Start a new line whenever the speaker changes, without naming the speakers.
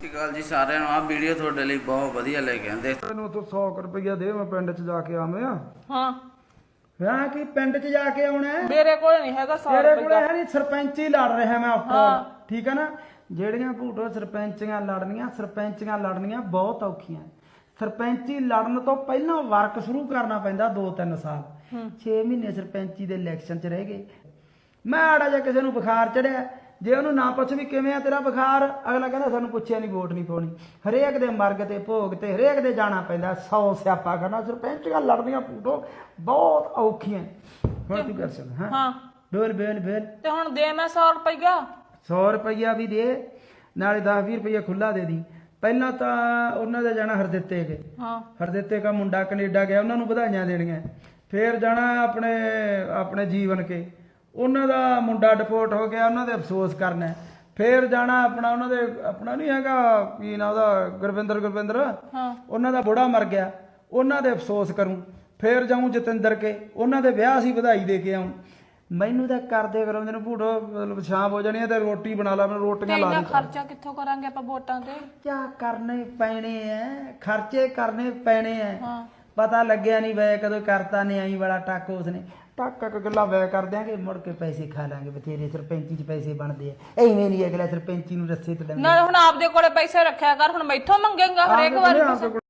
ਸਤਿ ਸ਼੍ਰੀ ਅਕਾਲ ਜੀ ਸਾਰਿਆਂ ਨੂੰ। ਆ ਵੀਡੀਓ ਤੁਹਾਡੇ ਲਈ ਬਹੁਤ ਵਧੀਆ ਲੈ ਕੇ ਆਂਦੇ।
ਤੈਨੂੰ ਤੂੰ 100 ਰੁਪਇਆ ਦੇ, ਮੈਂ ਪਿੰਡ 'ਚ ਜਾ ਕੇ ਆਵੇਂ ਆ।
ਹਾਂ
ਮੈਂ ਕੀ ਪਿੰਡ 'ਚ ਜਾ ਕੇ ਆਉਣਾ ਹੈ?
ਮੇਰੇ ਕੋਲ ਨਹੀਂ ਹੈਗਾ 100
ਤੇਰੇ ਕੋਲੇ
ਰੁਪਇਆ।
ਹੈ ਨਹੀਂ, ਸਰਪੰਚ ਹੀ ਲੜ ਰਿਹਾ ਮੈਂ ਆਫਟਰ
ਹਾਂ।
ਠੀਕ ਹੈ ਨਾ। ਜਿਹੜੀਆਂ ਭੂਟੋ ਸਰਪੰਚੀਆਂ ਲੜਨੀਆਂ ਬਹੁਤ ਔਖੀਆਂ। ਸਰਪੰਚੀ ਲੜਨ ਤੋਂ ਪਹਿਲਾਂ ਵਰਕ ਸ਼ੁਰੂ ਕਰਨਾ ਪੈਂਦਾ 2-3 ਸਾਲ। 6 ਮਹੀਨੇ ਸਰਪੰਚੀ ਦੇ ਇਲੈਕਸ਼ਨ 'ਚ ਰਹਿ ਗਏ। ਮੈਂ ਆੜਾ ਜਾਂ ਕਿਸੇ ਨੂੰ ਬੁਖਾਰ ਚੜਿਆ, ਜੇ ਉਹਨੂੰ ਨਾ ਪੁੱਛ ਵੀ ਕਿਵੇਂ ਆ ਤੇਰਾ ਬੁਖਾਰ, ਅਗਲਾ ਕਹਿੰਦਾ ਸਾਨੂੰ ਪੁੱਛਿਆ ਨਹੀਂ, ਵੋਟ ਨਹੀਂ ਪਾਉਣੀ। ਹਰੇਕ ਦੇ ਮਰਗ ਤੇ ਭੋਗ ਤੇ ਹਰੇਕ ਦੇ ਜਾਣਾ ਪੈਂਦਾ। 100 ਸਿਆਪਾ ਕਰਨਾ। ਸਰਪੰਚੀਆਂ ਲੜਨੀਆਂ ਭੂਟੋ ਬਹੁਤ ਔਖੀਆਂ। ਹੁਣ ਤੂੰ ਕਰ ਸਕਦਾ।
ਹਾਂ
ਬੋਲ
ਤੇ ਹੁਣ ਦੇ ਮੈਂ 100 ਰੁਪਇਆ।
100 ਰੁਪਈਆ ਵੀ ਦੇ, ਨਾਲੇ 10-20 ਰੁਪਈਆ ਖੁੱਲਾ ਦੇ ਦੀ। ਪਹਿਲਾਂ ਤਾਂ ਉਹਨਾਂ ਦਾ ਜਾਣਾ ਹਰਦਿੱਤੇ ਕੇ।
ਹਾਂ
ਹਰਦਿੱਤੇ ਦਾ ਮੁੰਡਾ ਕੈਨੇਡਾ ਗਿਆ, ਉਹਨਾਂ ਨੂੰ ਵਧਾਈਆਂ ਦੇਣੀਆਂ। ਫੇਰ ਜਾਣਾ ਆਪਣੇ ਜੀਵਨ ਕੇ, ਉਹਨਾਂ ਦਾ ਮੁੰਡਾ ਡਿਪੋਰਟ ਹੋ ਗਿਆ, ਉਹਨਾਂ ਦੇ ਅਫਸੋਸ ਕਰਨਾ। ਫੇਰ ਜਾਣਾ ਆਪਣਾ ਨਹੀਂ ਹੈਗਾ ਕੀ ਨਾ ਉਹਦਾ, ਗੁਰਵਿੰਦਰ
ਹਾਂ
ਉਹਨਾਂ ਦਾ ਬੁੜਾ ਮਰ ਗਿਆ, ਉਹਨਾਂ ਦੇ ਅਫਸੋਸ ਕਰੂੰ। ਫੇਰ ਜਾਊਂ ਜਤਿੰਦਰ ਕੇ, ਉਹਨਾਂ ਦੇ ਵਿਆਹ ਸੀ, ਵਧਾਈ ਦੇ ਕੇ ਆਉਂ। ਮੈਨੂੰ ਤਾਂ ਕਰਦੇ ਕਰਾਉਂਦੇ ਨੇ ਭੂਟੋ, ਮਤਲਬ ਸ਼ਾਮ ਹੋ ਜਾਣੀ ਹੈ ਤੇ ਰੋਟੀ ਬਣਾ ਲਾ, ਮੈਂ ਰੋਟੀਆਂ ਲਾ
ਇੰਨਾ
ਲਈ।
ਖਰਚਾ ਕਿੱਥੋਂ ਕਰਾਂਗੇ ਆਪਾਂ ਵੋਟਾਂ ਤੇ?
ਕਿਆ ਕਰਨੇ ਪੈਣੇ ਐ, ਖਰਚੇ ਕਰਨੇ ਪੈਣੇ ਐ।
ਹਾਂ
ਪਤਾ ਲੱਗਿਆ ਨਹੀਂ ਵੈ ਕਦੋਂ ਕਰਤਾ ਨੇ ਆਈ ਵਾਲਾ ਟੱਕ ਉਸਨੇ ਟੱਕ ਗੱਲਾਂ ਵੈ ਕਰ ਦਿਆਂਗੇ, ਮੁੜ ਕੇ ਪੈਸੇ ਖਾ ਲਾਂਗੇ। ਬਥੇਰੇ ਸਰਪੰਚੀ 'ਚ ਪੈਸੇ ਬਣਦੇ ਆ। ਐਵੇਂ ਨਹੀਂ ਅਗਲਾ ਸਰਪੰਚੀ ਨੂੰ ਰੱਸੇ ਤੇ
ਨਾ ਹੁਣ ਆਪਦੇ ਕੋਲੇ ਪੈਸੇ ਰੱਖਿਆ ਕਰ, ਹੁਣ ਮੈਥੋਂ ਮੰਗੇਗਾ ਹਰੇਕ ਵਾਰ।